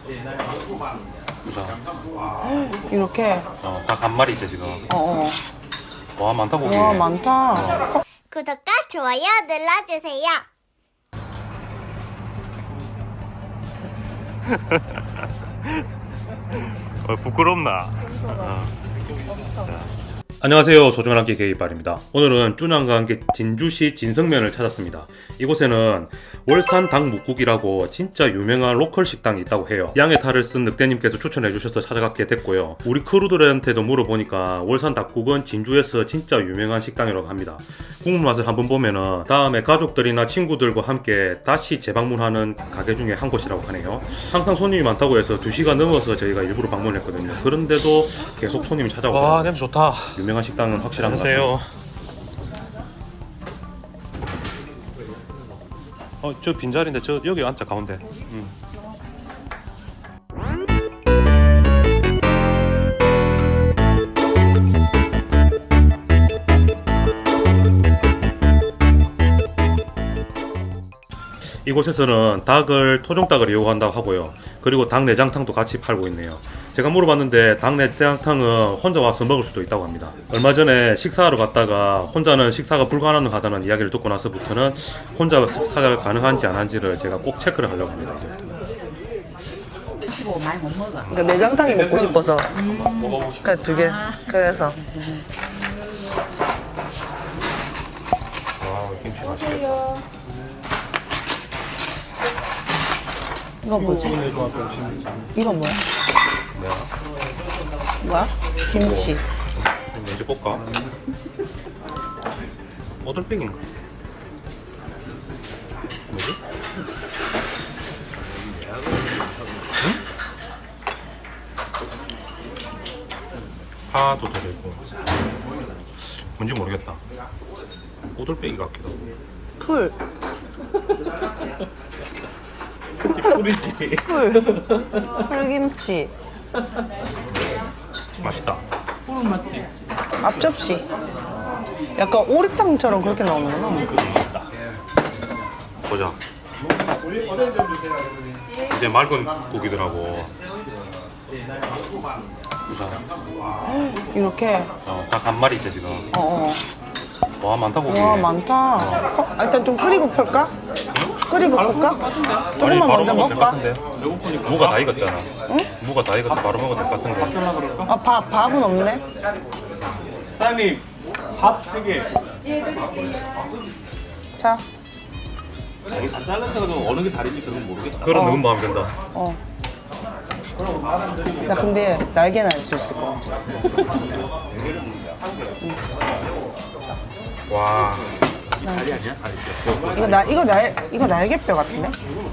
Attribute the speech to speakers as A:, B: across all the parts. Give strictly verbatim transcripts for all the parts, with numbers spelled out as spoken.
A: 보자.
B: 이렇게.
A: 어, 닭 한 마리지 지금.
B: 어.
A: 와 많다 고기.
B: 와 많다. 어.
C: 구독과 좋아요 눌러주세요.
A: 어, 부끄럽나? 어. 자. 안녕하세요, 소중한 함께 게이빨입니다. 오늘은 쭈냥과 함께 진주시 진성면을 찾았습니다. 이곳에는 월산 닭묵국이라고 진짜 유명한 로컬 식당이 있다고 해요. 양의 탈을 쓴 늑대님께서 추천해 주셔서 찾아가게 됐고요. 우리 크루들한테도 물어보니까 월산 닭국은 진주에서 진짜 유명한 식당이라고 합니다. 국물 맛을 한번 보면은 다음에 가족들이나 친구들과 함께 다시 재방문하는 가게 중에 한 곳이라고 하네요. 항상 손님이 많다고 해서 두 시간 넘어서 저희가 일부러 방문했거든요. 그런데도 계속 손님이 찾아오고.
D: 와 냄새 좋다.
A: 유명한 식당은 확실한 것
D: 안녕하세요.
A: 같습니다. 어, 저 빈자리인데 저 여기 앉자 가운데. 음. 이곳에서는 닭을 토종닭을 이용한다고 하고요. 그리고 닭 내장탕도 같이 팔고 있네요. 제가 물어봤는데 닭 내장탕은 혼자 와서 먹을 수도 있다고 합니다. 얼마 전에 식사하러 갔다가 혼자는 식사가 불가능하다는 이야기를 듣고 나서부터는 혼자 식사가 가능한지 안 한지를 제가 꼭 체크를 하려고 합니다.
E: 많이 못 먹어.
B: 그러니까 내장탕이 먹고 싶어서.
A: 먹어보고 싶...
B: 그두 개. 그래서.
A: 와, 김치 맛있겠다.
B: 이건 뭐지? 이건 뭐야?
A: 뭐야?
B: 뭐야? 김치.
A: 먼저 볶아. 오돌백인가? 뭐지? 응? 파도 들어있고 뭔지 모르겠다. 오돌백이 같기도 하고.
B: 풀.
D: 뿌리지.
B: 풀. 풀김치.
A: 맛있다.
D: 푸른 맛지.
B: 앞접시. 약간 오리탕처럼 그렇게 나오는구나.
A: 보자. 이제 맑은 고기더라고. 보자.
B: 이렇게.
A: 어, 닭 한 마리지 지금.
B: 어,
A: 와 많다
B: 어.
A: 고기.
B: 와 많다. 어, 아, 일단 좀 끓이고 풀까? 끓이고 풀까?
A: 아니,
B: 조금만
A: 바로
B: 먼저
A: 먹어도 될것
B: 먹까?
A: 같은데?
D: 배고프니까.
A: 무가 다 익었잖아.
B: 응?
A: 무가 다 익어서 바로 먹어도 될 것 같은데.
D: 하나 그럴까?
B: 아, 밥, 밥은 없네.
D: 사장님 밥 세 개.
B: 자,
D: 이게 다 잘라서 좀 어느 게 다른지 그건 모르겠다.
A: 그런
B: 어.
A: 넣은 마음이 든다.
B: 어. 나 근데 날개는 알 수 있을 것 같아.
A: 와.
D: 다리 아니야? 다리.
B: 이거 날 이거 날 이거 날개뼈 같은데?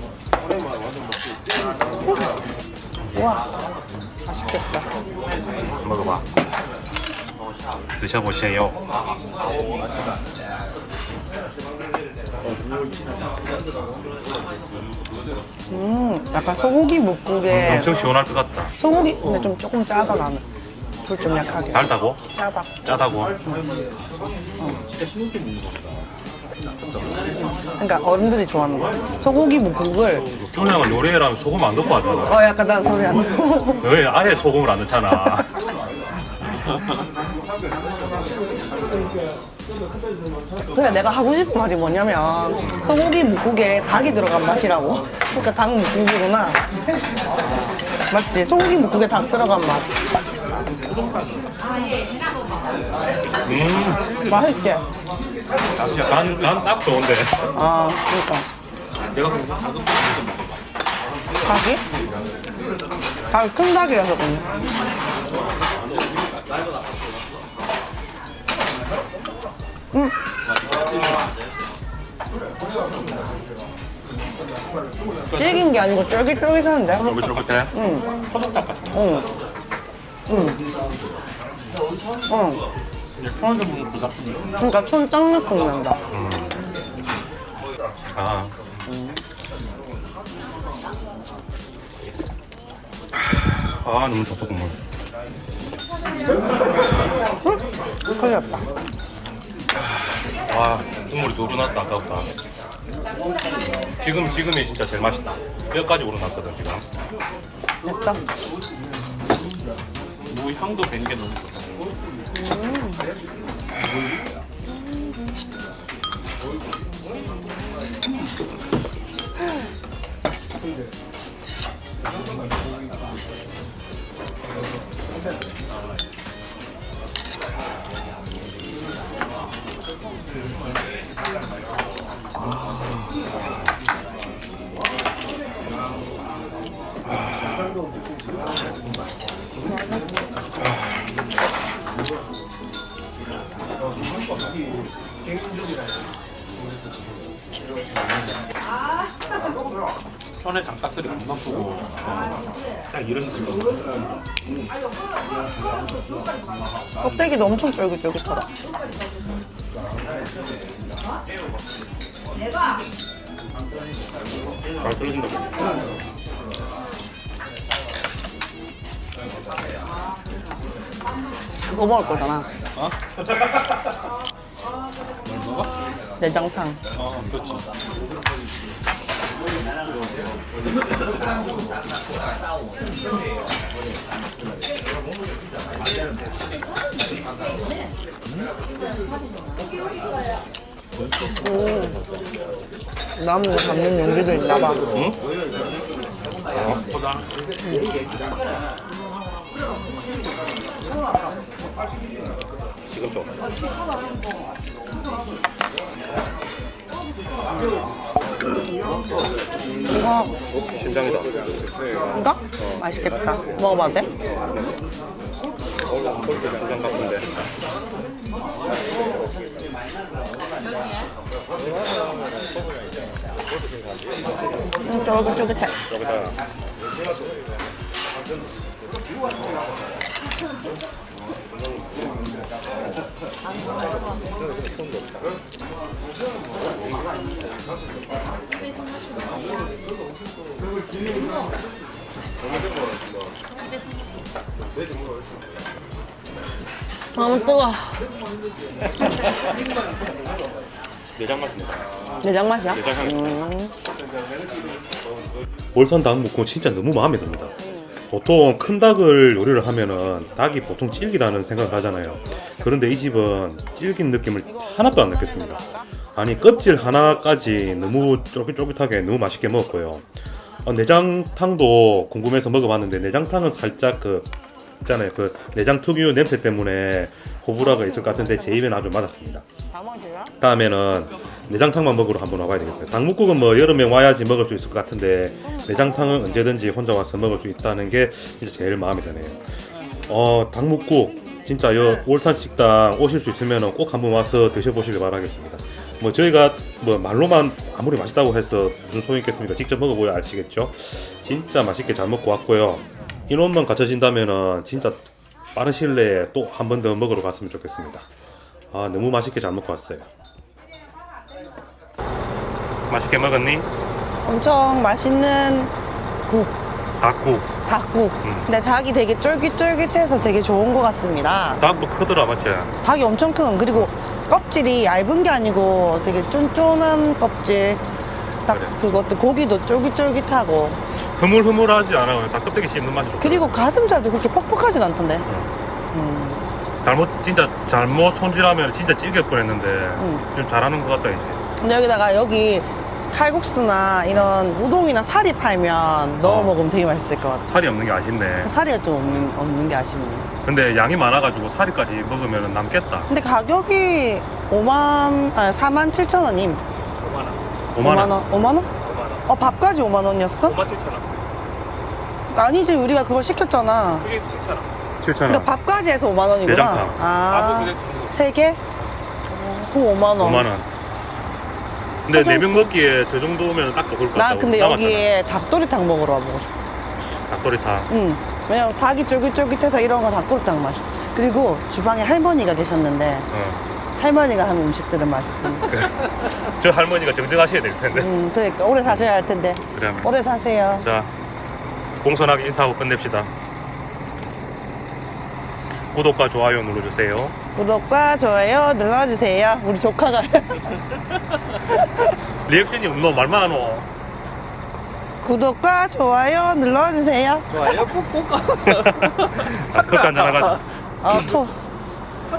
B: 우와, 맛있겠다.
A: 먹어봐. 드셔보세요.
B: 음, 약간 소고기 묵국에
A: 엄청 시원할 것 같다.
B: 소고기 근데 좀 조금 짜다 나는. 불 좀 약하게.
A: 달다고?
B: 짜다.
A: 짜다고?
B: 그러니까 어른들이 좋아하는 거. 소고기 묵국을
A: 쭈냥은 요리해라면 소금 안 넣고 하잖아.
B: 어 약간 난 소리 안 나고.
A: 왜 아예 소금을 안 넣잖아.
B: 그래 내가 하고 싶은 말이 뭐냐면 소고기 묵국에 닭이 들어간 맛이라고. 그러니까 닭 묵국이구나. 맞지? 소고기 묵국에 닭 들어간 맛.
A: 음,
B: 맛있지?
A: 간, 간 딱 좋은데.
B: 아 그러니까.
D: 내가 그럼 작은 거
B: 닭이? 닭이 큰 닭이라서 그런가? 음. 질긴 게 아니고 쫄깃쫄깃한데?
A: 쫄깃쫄깃해?
B: 응.
D: 소독닭 같은 거.
B: 응. 응. 응.
D: 편의점 먹는 그 같은 거.
B: 그러니까 촌장 느낌 난다.
A: 음. 아. 아, 너무 좋다, 국물.
B: 응? 걸렸다.
A: 와, 국물이 두 분 왔다, 아까보다. 지금, 지금이 진짜 제일 맛있다. 뼈까지 우러났거든, 지금.
B: 됐어.
D: 무 향도 밴 게 너무 좋다. 천에 장딱들이 겁나 크고 딱 이런 느낌.
B: 껍데기도 엄청 쫄깃쫄깃하다.
A: 잘 끓여준다.
B: 그거 먹을 거잖아.
D: 어? 뭘 먹어?
B: 내장탕.
D: 어, 그렇지.
B: 오. 나무 담는 용기도 있나 봐.
D: 응? 보다.
A: 지금 좀.
B: 이거
A: 신장이다.
B: 이거? 맛있겠다. 먹어봐도 돼?
A: 신장 같은데.
B: 음, 쫄깃쫄깃해.
A: 여기다.
B: 너무 뜨거워.
A: 내장 맛입니다.
B: 내장 맛이야?
A: 내장 향이.
B: 음.
A: 월산 닭묵고 진짜 너무 마음에 듭니다. 보통 큰 닭을 요리를 하면은 닭이 보통 질기다는 생각을 하잖아요. 그런데 이 집은 질긴 느낌을 하나도 안 느꼈습니다. 아니 껍질 하나까지 너무 쫄깃쫄깃하게 너무 맛있게 먹었고요. 어, 내장탕도 궁금해서 먹어봤는데 내장탕은 살짝 그 있잖아요. 그 내장 특유 냄새 때문에 호불호가 있을 것 같은데 제 입에는 아주 맞았습니다.
B: 다 먹어줘요?
A: 다음에는 내장탕만 먹으러 한번 와봐야 되겠어요. 닭묵국은 뭐 여름에 와야지 먹을 수 있을 것 같은데 내장탕은 언제든지 혼자 와서 먹을 수 있다는 게 진짜 제일 마음에 드네요. 어 닭묵국 진짜 여 올산 식당 오실 수 있으면 꼭 한번 와서 드셔보시길 바라겠습니다. 뭐 저희가 뭐 말로만 아무리 맛있다고 해서 무슨 소용 있겠습니까? 직접 먹어보야 아시겠죠? 진짜 맛있게 잘 먹고 왔고요. 인원만 갖춰진다면은 진짜 빠른 시일 내에 또 한 번 더 먹으러 갔으면 좋겠습니다. 아 너무 맛있게 잘 먹고 왔어요. 맛있게 먹었니?
B: 엄청 맛있는 국,
A: 닭국.
B: 닭국.
A: 음.
B: 근데 닭이 되게 쫄깃쫄깃해서 되게 좋은 것 같습니다.
A: 닭도 크더라 맞지?
B: 닭이 엄청 큰, 그리고 껍질이 얇은 게 아니고 되게 쫀쫀한 껍질. 닭
A: 그래.
B: 그것도 고기도 쫄깃쫄깃하고.
A: 흐물흐물하지 않아요. 닭 껍데기 씹는 맛이 좋다.
B: 그리고 가슴살도 그렇게 퍽퍽하진 않던데. 음.
A: 잘못 진짜 잘못 손질하면 진짜 찔길 뻔했는데
B: 음.
A: 좀 잘하는 것 같다 이제.
B: 근데 여기다가 여기 칼국수나 이런 우동이나 사리 팔면 넣어
A: 어.
B: 먹으면 되게 맛있을 것 같아.
A: 살이 없는 게 아쉽네.
B: 사리가 좀 없는, 없는 게 아쉽네.
A: 근데 양이 많아가지고 살이까지 먹으면 남겠다.
B: 근데 가격이 오만, 아니 사만 칠천 원임.
A: 오만 원.
B: 원. 오만 원? 어, 밥까지 오만 원이었어?
D: 오만 칠천 원.
B: 아니지, 우리가 그걸 시켰잖아.
D: 그게 칠천 원.
A: 칠천
B: 그러니까
A: 원.
B: 밥까지 해서 오만 원이구나.
A: 내장탕.
D: 밥을
B: 아,
D: 그냥 주는 거.
B: 세 개? 어, 그럼 오만 원.
A: 오만 원. 근데
B: 화장-
A: 네 명 먹기에 저 정도면 딱 좋을 것 같다.
B: 나 근데 여기에 닭도리탕 먹으러 와보고 싶어.
A: 닭도리탕.
B: 응. 왜냐면 닭이 쫄깃쫄깃해서 이런 거 닭도리탕 맛있어. 그리고 주방에 할머니가 계셨는데
A: 어.
B: 할머니가 하는 음식들은 맛있습니다.
A: 저 할머니가 정정하셔야 될 텐데.
B: 음, 그러니까 오래 사셔야 할 텐데.
A: 그러면
B: 오래 사세요.
A: 자 공손하게 인사하고 끝냅시다. 구독과 좋아요 눌러주세요.
B: 구독과 좋아요 눌러주세요. 우리 조카가.
A: 리액션이 없노 말만 하노.
B: 구독과 좋아요 눌러주세요.
D: 좋아요, 꼭꼭.
A: 아, 컵 한잔 하자.
B: 아, 토.